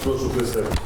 Прошу присягти.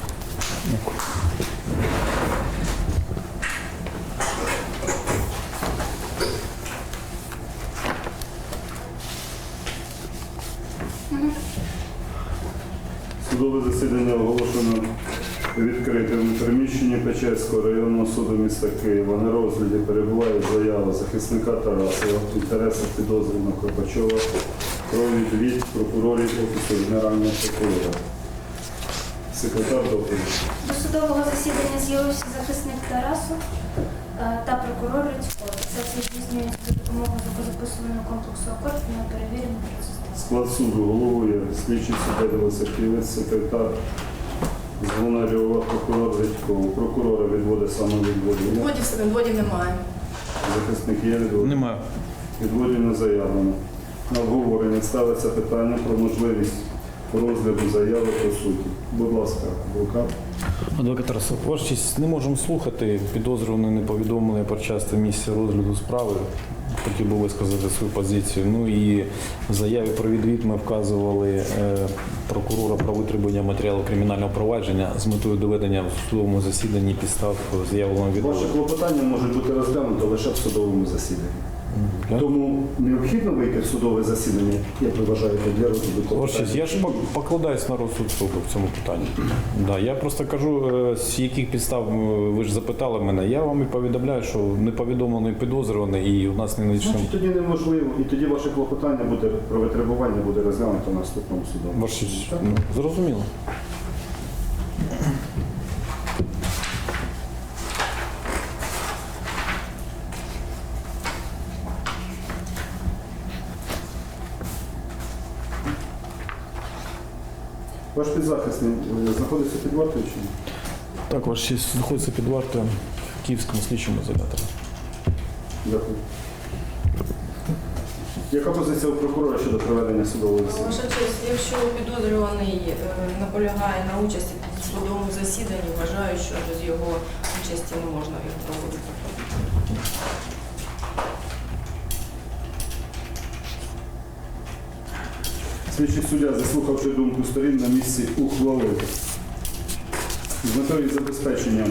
Судове засідання оголошено відкритим у приміщенні Печерського районного суду міста Києва. На розгляді перебуває заява захисника Тарасова в інтересах підозрюваного Кропачова про відвід прокурорів Офісу Генерального прокурора. Секретар доповідь. До судового засідання з'явився захисник Тарасов та прокурор Рицько. Це все здійснюється за допомогою звукозаписувального комплексу «Акорд» на перевірений процес. Склад суду головує слідчий суддя Велосипівець, секретар Звонарьова, прокурор Редько. Прокурора відводить самовідводження. Відводів немає. Захисник є відводить? Немає. Відводів не заявлено. На обговорення ставиться питання про можливість розгляду заяви по суті. Будь ласка, адвокат. Адвокат Тарасов, ваша честь, не можемо слухати. Підозрюваний не повідомлений про час та місце розгляду справи. Хотів би висказати свою позицію. Ну і в заяві про відвід ми вказували прокурора про витребування матеріалу кримінального провадження з метою доведення в судовому засіданні підстав заявленого відводу. Ваше клопотання може бути розглянуто лише в судовому засіданні. Тому необхідно вийти в судове засідання, як ви вважаєте, для розгляду Ваша честь, клопотання? я ж покладаюсь на розсуд суду в цьому питанні. Да, я просто кажу, з яких підстав ви ж запитали мене. Я вам і повідомляю, що не повідомлений підозрюваний і у нас не надійшло. Значить, тоді неможливо, і тоді ваше клопотання буде про витребування буде розглянуто на наступному судовому. Ваша честь, зрозуміло. Ваш підзахисний знаходиться під вартою чи ні? Так, ваша честь, знаходиться під вартою в Київському слідчому ізоляторі. Дякую. Яка позиція у прокурора щодо проведення судового засідання? Ваша честь, якщо підозрюваний наполягає на участі в судовому засіданні, вважаю, що без його участі не можна його проводити. Слідчий суддя, заслухавши думку сторін, на місці ухвалив. З метою забезпечення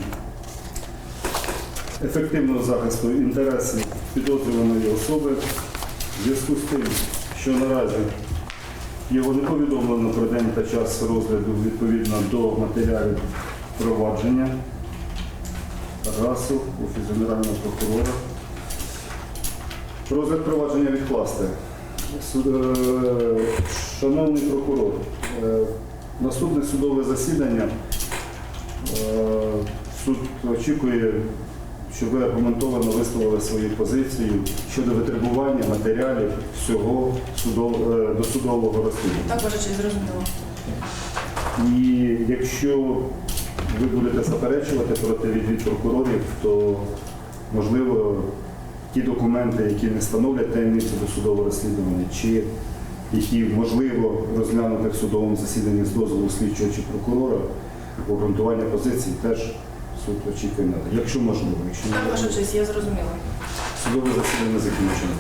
ефективного захисту інтересів підозрюваної особи в зв'язку з тим, що наразі його не повідомлено про день та час розгляду відповідно до матеріалів провадження РАСу, Офісу Генерального прокурора. Розгляд провадження відкласти. Шановний прокурор, наступне судове засідання. Суд очікує, щоб ви аргументовано висловили свою позицію щодо витребування матеріалів всього досудового розслідування. Так, ваша честь, зрозуміло. І якщо ви будете заперечувати проти відвід прокурорів, то, можливо, ті документи, які не становлять таємницю досудового розслідування, чи які можливо розглянути в судовому засіданні з дозволу слідчого чи прокурора, обґрунтування позицій теж суд очікує надати. Якщо можливо. Якщо Так, не ваша можливо. честь, я зрозуміла. Судове засідання закінчено.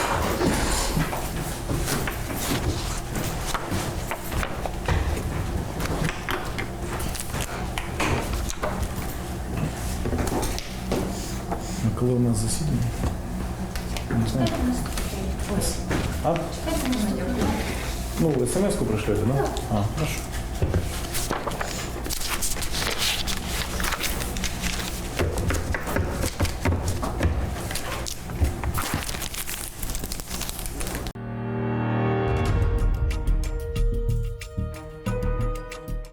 А коли у нас засідання? Не знаю. А? Чекайте, Ну, ви смс-ку пришлете, да? А, хорошо.